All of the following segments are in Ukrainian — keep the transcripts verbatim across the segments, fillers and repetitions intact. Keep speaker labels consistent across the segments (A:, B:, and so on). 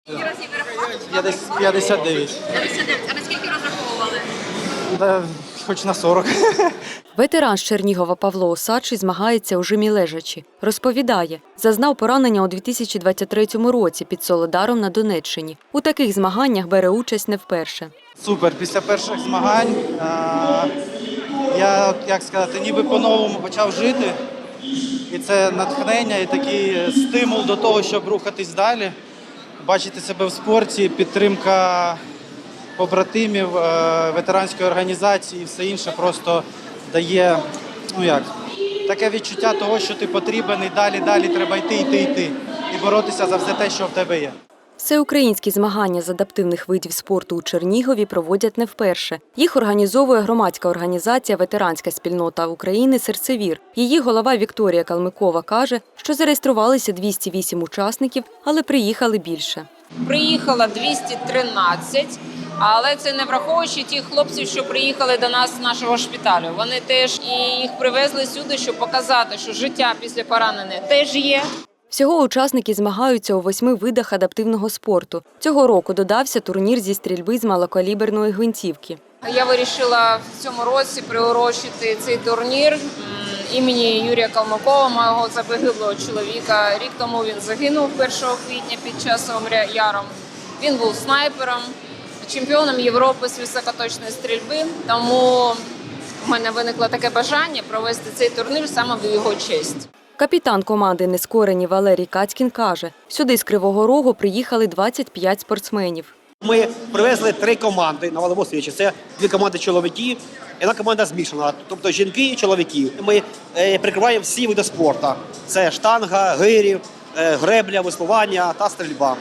A: Скільки разів ви рахували?
B: Я десь п'ятдесят дев'ять.
A: п'ятдесят дев'ять. А на скільки розраховували?
B: Да, хоч на сорок.
C: Ветеран з Чернігова Павло Осадчий змагається у жимі лежачі. Розповідає, зазнав поранення у дві тисячі двадцять третьому році під Солидаром на Донеччині. У таких змаганнях бере участь не вперше.
B: Супер. Після перших змагань а, я, як сказати, ніби по-новому почав жити. І це натхнення і такий стимул до того, щоб рухатись далі, бачити себе в спорті, підтримка побратимів, е, ветеранської організації і все інше просто дає, ну як, таке відчуття того, що ти потрібен і далі, далі треба йти, йти, йти і боротися за все те, що в тебе є.
C: Всеукраїнські змагання з адаптивних видів спорту у Чернігові проводять не вперше. Їх організовує громадська організація «Ветеранська спільнота України «Серцевір». Її голова Вікторія Калмикова каже, що зареєструвалися двісті вісім учасників, але приїхали більше.
D: Приїхало двісті тринадцять, але це не враховуючи тих хлопців, що приїхали до нас з нашого шпиталю. Вони теж і їх привезли сюди, щоб показати, що життя після поранення теж є.
C: Всього учасники змагаються у восьми видах адаптивного спорту. Цього року додався турнір зі стрільби з малокаліберної гвинтівки.
D: Я вирішила в цьому році приурочити цей турнір імені Юрія Калмикова, мого загиблого чоловіка. Рік тому він загинув першого квітня під час Яром. Він був снайпером, чемпіоном Європи з високоточної стрільби, тому в мене виникло таке бажання провести цей турнір саме в його честь.
C: Капітан команди «Нескорені» Валерій Кацькін каже, сюди з Кривого Рогу приїхали двадцять п'ять спортсменів.
E: Ми привезли три команди на валовому свічі. Це дві команди чоловіків і одна команда змішана, тобто жінки і чоловіки. Ми е, прикриваємо всі види спорту. Це штанга, гирі, е, гребля, веслування та стрільба.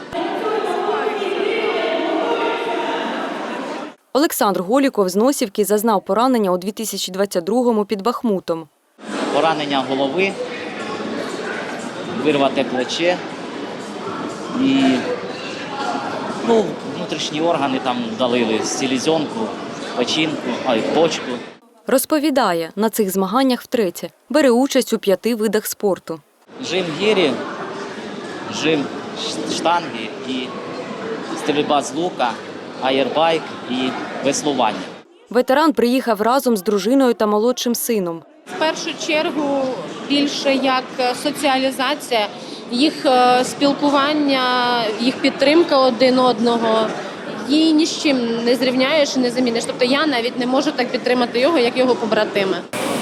C: Олександр Голіков з Носівки зазнав поранення у дві тисячі двадцять другому під Бахмутом.
F: Поранення голови, вирвате плече і ну, внутрішні органи там вдалили, селезенку, печінку, а й почку.
C: Розповідає, на цих змаганнях втретє. Бере участь у п'яти видах спорту.
F: Жим гірі, жим штанги і стрільба з лука, аєрбайк і веслування.
C: Ветеран приїхав разом з дружиною та молодшим сином.
G: В першу чергу більше як соціалізація, їх спілкування, їх підтримка один одного. Її ні з чим не зрівняєш і не заміниш. Тобто я навіть не можу так підтримати його, як його побратими.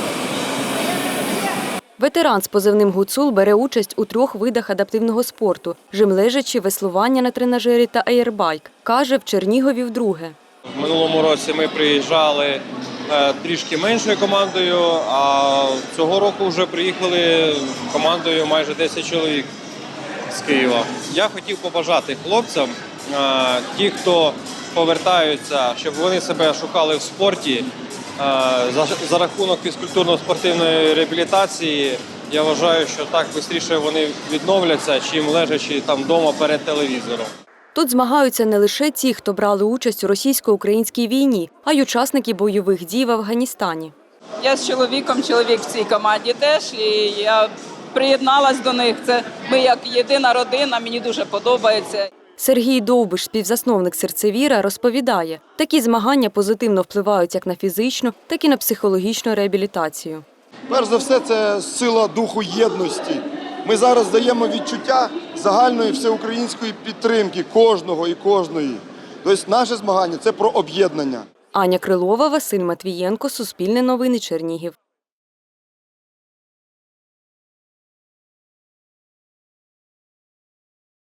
C: Ветеран з позивним «Гуцул» бере участь у трьох видах адаптивного спорту – жим лежачі, веслування на тренажері та аєрбайк. Каже, в Чернігові вдруге.
H: В минулому році ми приїжджали трішки меншою командою, а цього року вже приїхали командою майже десять чоловік з Києва. Я хотів побажати хлопцям, ті, хто повертаються, щоб вони себе шукали в спорті, за рахунок фізкультурно-спортивної реабілітації. Я вважаю, що так швидше вони відновляться, чим лежачи там вдома перед телевізором.
C: Тут змагаються не лише ті, хто брали участь у російсько-українській війні, а й учасники бойових дій в Афганістані.
I: Я з чоловіком, чоловік в цій команді теж, і я приєдналась до них. Це ми як єдина родина, мені дуже подобається.
C: Сергій Довбиш, співзасновник «Серцевіра», розповідає, такі змагання позитивно впливають як на фізичну, так і на психологічну реабілітацію.
J: Перш за все, це сила духу єдності. Ми зараз даємо відчуття загальної всеукраїнської підтримки кожного і кожної. Тобто наше змагання – це про об'єднання.
C: Аня Крилова, Василь Матвієнко, Суспільне новини, Чернігів.